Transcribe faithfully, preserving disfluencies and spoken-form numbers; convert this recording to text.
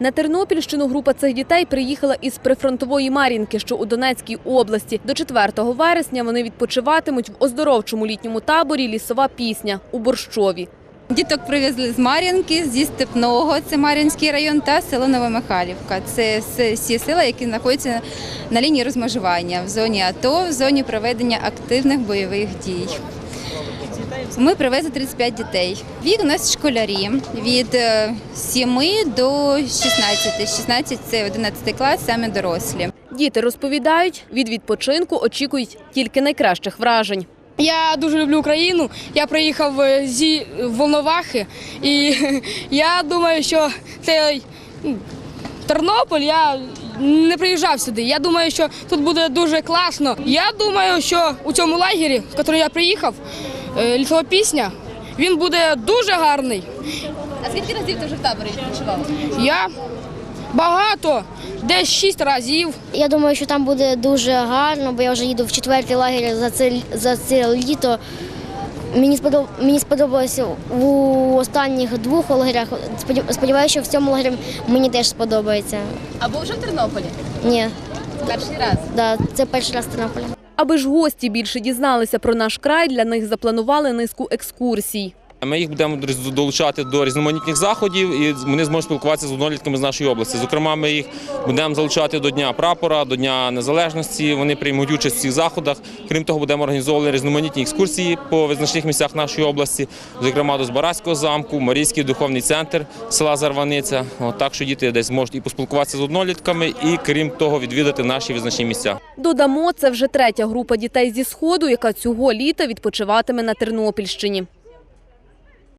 На Тернопільщину група цих дітей приїхала із прифронтової Мар'їнки, що у Донецькій області. До четвертого вересня вони відпочиватимуть в оздоровчому літньому таборі «Лісова пісня» у Борщові. Діток привезли з Мар'їнки, зі Степного, це Мар'їнський район, та село Новомихайлівка. Це всі села, які знаходяться на лінії розмежування в зоні АТО, в зоні проведення активних бойових дій. Ми привезли тридцять п'ять дітей. Вік у нас школярі від семи до шістнадцяти. шістнадцять – це одинадцятий клас, саме дорослі. Діти розповідають, від відпочинку очікують тільки найкращих вражень. Я дуже люблю Україну, я приїхав зі Волновахи і я думаю, що цей Тернопіль, я не приїжджав сюди. Я думаю, що тут буде дуже класно. Я думаю, що у цьому лагері, в який я приїхав, «Лісова пісня», він буде дуже гарний. А скільки разів ти вже в таборі відпочивав? Я багато, десь шість разів. Я думаю, що там буде дуже гарно, бо я вже їду в четвертий лагерь за це, за це літо. Мені сподоб... мені сподобалося в останніх двох лагерях. Сподіваюся, що в цьому лагері мені теж сподобається. А був вже в Тернополі? Ні. Перший раз? Да, це перший раз в Тернополі. Аби ж гості більше дізналися про наш край, для них запланували низку екскурсій. Ми їх будемо долучати до різноманітних заходів і вони зможуть спілкуватися з однолітками з нашої області. Зокрема, ми їх будемо залучати до Дня прапора, до Дня Незалежності. Вони приймуть участь в цих заходах. Крім того, будемо організовувати різноманітні екскурсії по визначних місцях нашої області, зокрема до Збаразького замку, Марійський духовний центр села Зарваниця. От, так що діти десь зможуть і поспілкуватися з однолітками, і крім того, відвідати наші визначні місця. Додамо, це вже третя група дітей зі Сходу, яка цього літа відпочиватиме на Тернопільщині.